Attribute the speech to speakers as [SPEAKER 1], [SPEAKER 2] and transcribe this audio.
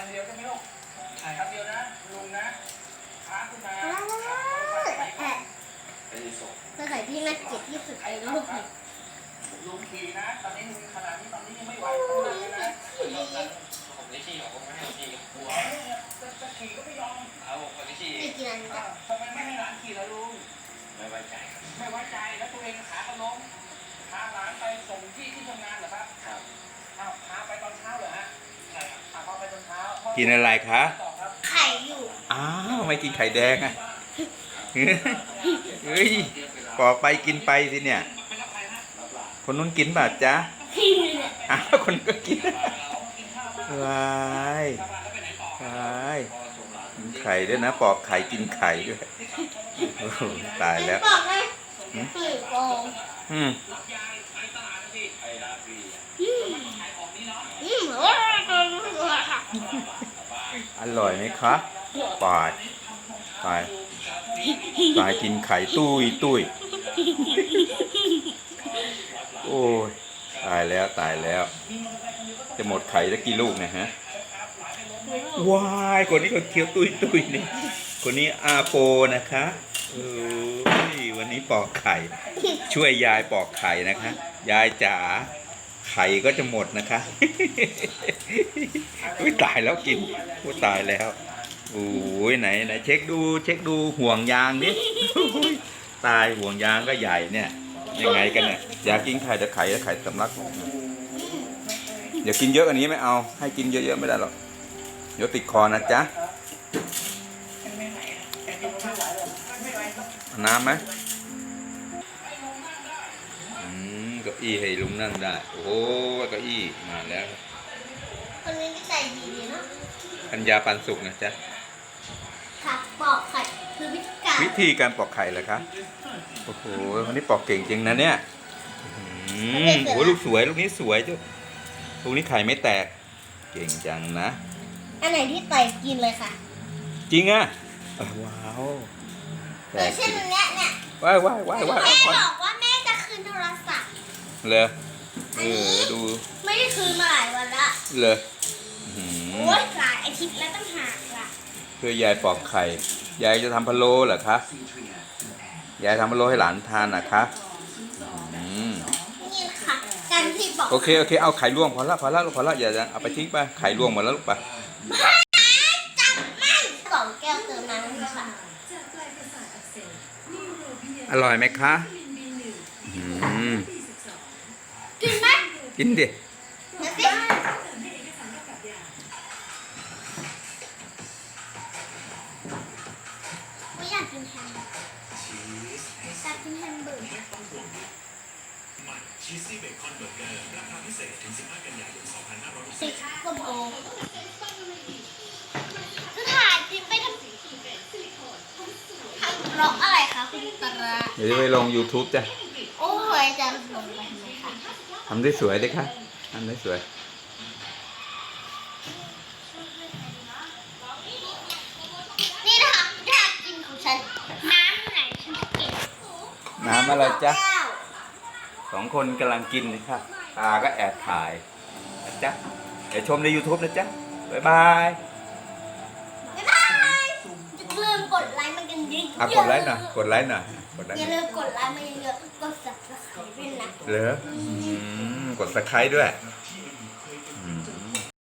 [SPEAKER 1] นเดียวใช่ไหมลูกคันเดียวนะลุงนะค้าขึ้นมา
[SPEAKER 2] จะใส่ที่น่าเกลียดที่สุดในโลกเลย
[SPEAKER 1] ลุงขี่นะตอนนี้ขนาดนี้ตอนนี้ยังไม่ไหวต้องเลยนะผมไม่ขี่หรอกผมไม่ให้ขี่กลัวจะขี่ก็ไม่ยอมเอาผมไม่ขี่
[SPEAKER 2] ไม่กินอันนี้
[SPEAKER 1] ทำไมไม่ให้หลานขี่ล่ะลุงไม่ไว้ใจแล้วตัวเองขาก็ล้มพาหลานไปส่งที่ทำงานเหรอครับครับพาไปตอนเช้าเหรอฮะใช่ครับพาไปตอนเช้า
[SPEAKER 3] กินอะไรคะ
[SPEAKER 2] ไข่อยู่
[SPEAKER 3] อ้าวไม่กินไข่แดงอ่ะเฮ้ยปอกไปกินไปสิเนี่ยคนนู้นกินป่ะจ๊ะอ้าวคนก็กินวายกินไข่ด้วยนะปอกไข่กินไข่ด้วยตายแล้วอร่อยไหมคะปายกินไข่ตุ้ยโอ้ยตายแล้วจะหมดไข่แล้วกี่ลูกเนี่ยฮะว้ายคนนี้เขาเคี้ยวตุ้ยนี่คนนี้อาโปนะคะวันนี้ปอกไข่ช่วยยายปอกไข่นะคะยายจ๋าไข่ก็จะหมดนะคะตายแล้วกินตายแล้วโอ้ยไหนเช็คดูห่วงยางดิตายห่วงยางก็ใหญ่เนี่ยยังไงกันเนี่ยอยากกินไข่แต่ไข่สำลักอย่ากินเยอะอันนี้ไม่เอาให้กินเยอะๆไม่ได้หรอกเดี๋ยวติดคอนะจ๊ะน้ำไหมเก้าอี้ให้ลุงนั่งได้โอ้เก้าอี้มาแล้ว
[SPEAKER 2] คนนี้ก็ใจดีเนาะ
[SPEAKER 3] ปัญญาปันสุกนะจ๊ะ
[SPEAKER 2] ค่ะปอกไข่คือ
[SPEAKER 3] วิธีการปอกไข่เหรอคะโอ้โหคนนี้ปอกเก่งจริงนะเนี่ยโอ้ลูกสวยลูกนี้สวยจ้ะลูกนี้ไข่ไม่แตกเก่งจังนะ
[SPEAKER 2] อันไหนที่ไต่กินเลยค่ะ
[SPEAKER 3] จริงอ่ะว้าว
[SPEAKER 2] แต่เช่นเนี้ย
[SPEAKER 3] ว้าย
[SPEAKER 2] แม่บอกว่าแม่จะคืนโทรศัพท์
[SPEAKER 3] เลยดู
[SPEAKER 2] ไม่ได้คืนมาหลายวันละ
[SPEAKER 3] เลย
[SPEAKER 2] โอ้ยหลายอาทิตย์แล้วต้องหาละ
[SPEAKER 3] เพื่อยายปอกไข่ยายจะทำพะโล้เหรอคะยายทำพะโล้ให้หลานทานนะคะ
[SPEAKER 2] นี่ค่ะการที่บอก
[SPEAKER 3] โอเคเอาไข่ลวงพอละอย่าเอาไปทิ้งไปไข่ลวงหมดแล้วลูกไป
[SPEAKER 2] จับมันสองแก้วเติมน้ำค่ะ
[SPEAKER 3] อร่อยไหมคะ
[SPEAKER 2] กินไหม
[SPEAKER 3] กินดิ
[SPEAKER 2] ไม่อยากกินแฮมเบอร์
[SPEAKER 4] ชีสซี่เบคอนเบอร์เกอร์ราคาพิเศษถึง15 กันยายน
[SPEAKER 2] 10 ก็พอคือถ่ายคลิปไปทำร้องอะไรคะคุณตระ
[SPEAKER 3] เดี๋ยวจะไปลง YouTube จ้ะ
[SPEAKER 2] โอ้ยจะลงไปทำไมคะ
[SPEAKER 3] ทำได้สวยเลยค่ะทำได้สวย
[SPEAKER 2] นี่นะคะอยากกินของฉันน้ำไหนฉันจะกิน
[SPEAKER 3] น้ำอะไรจ๊ะสองคนกำลังกินเลยค่ะตาก็แอบถ่ายนะจ๊ะเดี๋ยวชมใน YouTube นะจ๊ะบ๊ายบาย
[SPEAKER 2] อย่าลืมกดไลค์มันกันเยอะ
[SPEAKER 3] ๆกดไลค์หน่อย
[SPEAKER 2] อย่าลืมกดไลค์มันเยอะๆกด Subscribe ด้วยนะ
[SPEAKER 3] เหรอกด Subscribe ด้วย